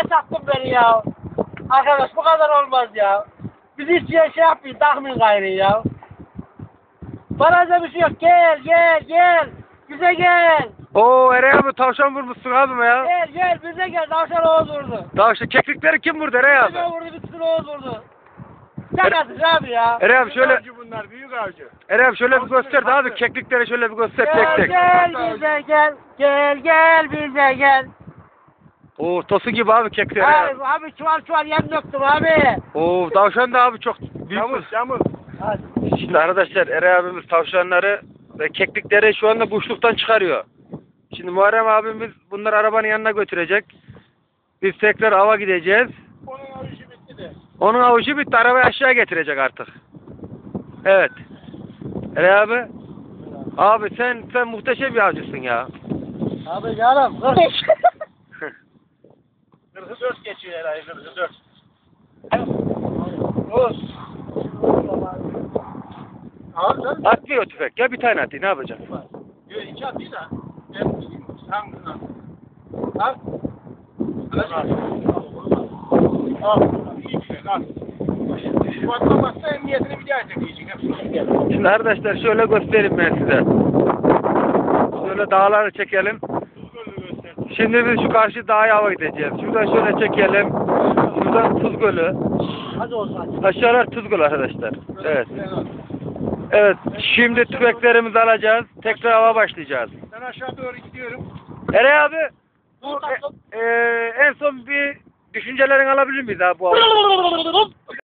sattın beni ya. Arkadaş bu kadar olmaz ya. Biz hiç şey yapmayın, takmayın gayrı ya. Bana bir şey yok. Gel, gel, gel. Bize gel. Oo Eray abi tavşan vurmuşsun abime ya. Gel, gel. Bize gel. Tavşan Oğuz vurdu. Tavşan keklikleri kim vurdu Eray abi? Bize vurdu, bir Oğuz vurdu. Sakatız abi ya. Eray abi şöyle. Avcı bunlar, büyük avcı. Eray abi şöyle bir göster de abi keklikleri şöyle bir göster tek Gel, tek. gel bize gel. Gel, gel bize gel. Oo tosu gibi abi keklikleri. Abi, abi çuval yem döktüm abi. Oo tavşan da abi çok büyük. Yamuz, yamuz. Hadi. Şimdi arkadaşlar Eray abimiz tavşanları ve keklikleri şu anda boşluktan çıkarıyor. Şimdi Muharrem abimiz bunları arabanın yanına götürecek. Biz tekrar ava gideceğiz. Onun avcı bitti de. Onun avucu bitti. Arabayı aşağı getirecek artık. Evet. Eray abi. Abi sen muhteşem bir avcısın ya. Abi canım. 44 geçiyor herhalde, 44. Oğuz. Abi sen? Atmıyor tüfek. Ya bir tane atayım. Ne yapacaksın? Yok, 2 atıyor da. Ben bileyim. Tam kızım. Al. Al. İyi tüfek, al. Bu atlamazsa emniyetini bir daha çekeceksin. Hepsini. Şimdi arkadaşlar şöyle göstereyim ben size. Şöyle dağları çekelim. Şimdi biz şu karşı dağa hava gideceğiz. Şuradan şöyle çekelim. Şuradan Tuz Gölü. Hadi olsun hadi. Aşağılar Tuz Gölü arkadaşlar. Evet. Evet. Şimdi tüfeklerimizi alacağız. Tekrar hava başlayacağız. Ben aşağı doğru gidiyorum. Eray abi. Bu en son bir düşüncelerini alabilir miyiz abi bu hava?